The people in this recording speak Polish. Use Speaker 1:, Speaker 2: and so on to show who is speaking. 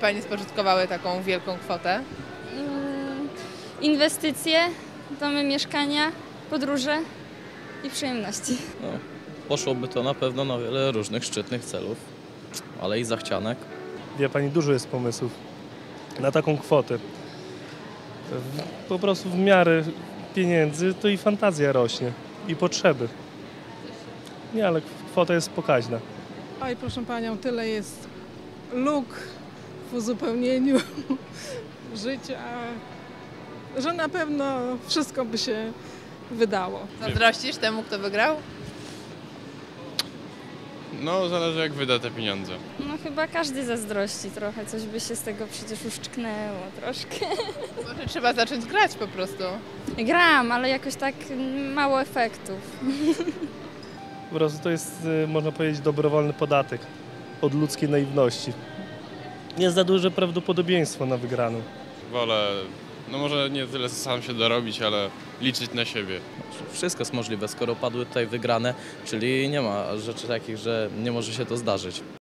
Speaker 1: Pani spożytkowały taką wielką kwotę?
Speaker 2: Inwestycje, domy, mieszkania, podróże i przyjemności.
Speaker 3: No, poszłoby to na pewno na wiele różnych szczytnych celów, ale i zachcianek.
Speaker 4: Wie Pani, dużo jest pomysłów na taką kwotę. Po prostu w miarę pieniędzy to i fantazja rośnie, i potrzeby. Nie, ale kwota jest pokaźna.
Speaker 5: Oj, proszę Panią, tyle jest luk w uzupełnieniu życia, że na pewno wszystko by się wydało.
Speaker 1: Zazdrościsz temu, kto wygrał?
Speaker 6: No, zależy jak wyda te pieniądze.
Speaker 2: No chyba każdy zazdrości trochę, coś by się z tego przecież uszczknęło troszkę.
Speaker 1: Może trzeba zacząć grać po prostu.
Speaker 2: Gram, ale jakoś tak mało efektów.
Speaker 4: Po prostu to jest, można powiedzieć, dobrowolny podatek od ludzkiej naiwności. Jest za duże prawdopodobieństwo na wygraną.
Speaker 6: Wolę, no może nie tyle sam się dorobić, ale liczyć na siebie.
Speaker 3: Wszystko jest możliwe, skoro padły tutaj wygrane, czyli nie ma rzeczy takich, że nie może się to zdarzyć.